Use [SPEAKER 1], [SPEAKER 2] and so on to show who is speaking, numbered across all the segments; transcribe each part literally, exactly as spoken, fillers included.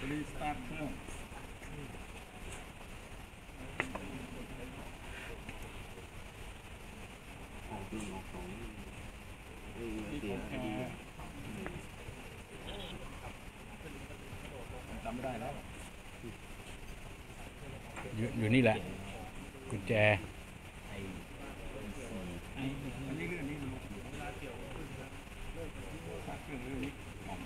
[SPEAKER 1] รีสตาร์ทเครื่อง
[SPEAKER 2] ออกหนึ่งออกสองนี่เสียดี
[SPEAKER 1] จำไม่ได้แล้ว
[SPEAKER 3] อยู่อยู่นี่แหละกุญแจ
[SPEAKER 1] อันนี้เรื่องนี้รู้เวลาเกี่ยวเครื่องเรื่องนี้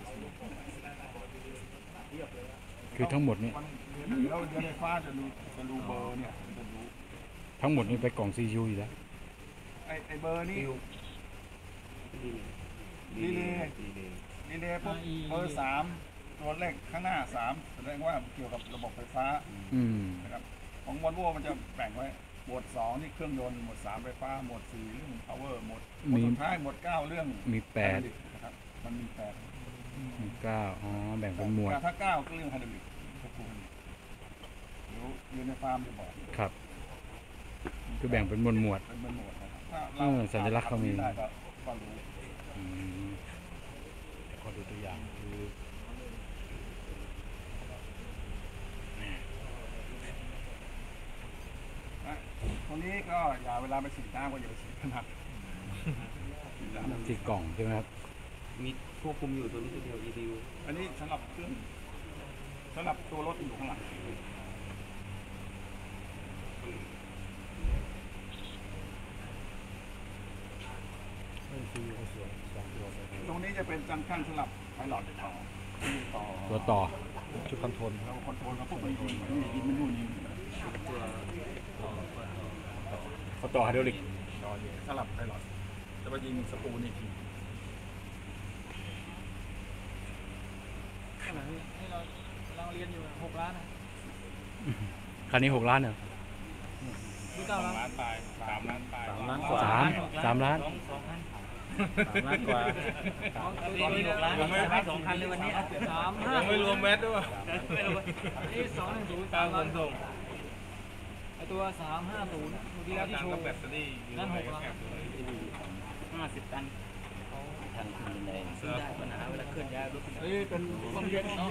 [SPEAKER 3] คือทั้งหมดนี้
[SPEAKER 1] เราเดือนไฟฟ้าจะดูจะดูเบอร์เนี่ยจะดู
[SPEAKER 3] ทั้งหมดนี้ไปกล่องซียูอยู่แล้ว
[SPEAKER 1] ไอไอเบอร์นี่ดีเลยดีเลยปุ๊บเบอร์สามตัวเลขข้างหน้าสามแสดงว่าเกี่ยวกับระบบไฟฟ้านะครับของวอลโว่มันจะแบ่งไว้หมวดสองนี่เครื่องยนต์หมวดสามไฟฟ้าหมวดสี่เรื่อง power หมวดสุดท้ายหมวดเก้าเรื่อง
[SPEAKER 3] มีแปด
[SPEAKER 1] นะครับมันมีแปด
[SPEAKER 3] มีเก้าอ๋อแบ่งเป็นหมวด
[SPEAKER 1] ถ้าเก้าก็เรื่องไฮดรอลิกควบคุมเดี๋ยวเรียนในฟาร์มจะบอก
[SPEAKER 3] ครับคือแบ่งเป็นหมวดหมวด
[SPEAKER 1] เป็นหมวด
[SPEAKER 3] นะครับสัญลักษณ์เขามี
[SPEAKER 1] ก็รู้
[SPEAKER 3] ขอดูตัวอย่างคือ
[SPEAKER 1] ตรงนี้ก็อย่าเวลาไปฉีดน้ำก็อย่าไปฉีดขนาด
[SPEAKER 3] ติดกล่องใช่ไหมครับ
[SPEAKER 2] มีควบคุมอยู่ตัวนี้ตัวเดียว อี ดี ยู
[SPEAKER 1] อันนี้สำหรับเครื่องสำหรับตัวรถอยู่ข้างหลังตรงนี้จะเป็นจังชั่นสำหรับไพลอตต่อ
[SPEAKER 3] ตัวต่อ
[SPEAKER 1] จุดคอนโทรลเราคอนโทรลเขาพวกมันยิงยิงมันนู่นยิง
[SPEAKER 3] ตัวต่อไฮดรอลิก
[SPEAKER 1] สลับไพลอตจะมายิงสปูนอีกที
[SPEAKER 4] ขณะนี้ให้เราเราเรียนอยู่หกล้านนะ
[SPEAKER 3] คันนี้หกล้านเหรอ
[SPEAKER 4] เก้าล้าน
[SPEAKER 1] ไปสามล้านไป
[SPEAKER 3] สามล้านกว่าสามสามล้าน
[SPEAKER 4] สองพัน
[SPEAKER 3] สามล้านกว่า
[SPEAKER 4] ตอนนี้หกล้านไม่สองพันเลยวันนี้สามห้า
[SPEAKER 1] ไม่รวมแมทด้วย
[SPEAKER 4] นี่สองหนึ่งศูนย์สามล้านส่งไอตัวสามห้าศูนย์เมื่อกี้ที่โชว์นั่นหกล้านห้าสิบตันทางคุณเลยซื้อได้ปัญหาเวลาเคลื่อนย้ายรถเฮ้ยเป็นความเย็นเนาะ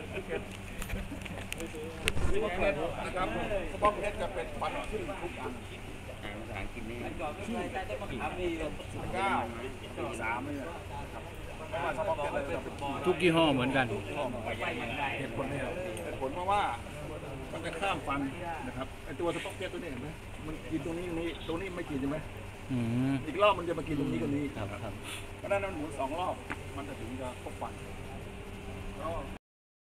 [SPEAKER 1] นะครับสปอร์ตเพชรจะเป็นฟันขึ้นทุกอัน
[SPEAKER 2] อ่านภาษาอังกฤษนี่
[SPEAKER 1] เก้าสามเลย
[SPEAKER 3] ทุกยี่ห้อเหมือนกัน
[SPEAKER 1] เหตุผลเนี่ยเหตุผลเพราะว่ามันจะข้ามฟันนะครับไอตัวสปอร์ตเพชรตัวนี้เห็นไหมมันกินตรงนี้นี้ตรงนี้ไม่กินใช่ไหมอีกรอบมันจะมากินตรงนี้กับนี้เพราะนั้นมันหมุนสองรอบมันจะถึงจะครบฟัน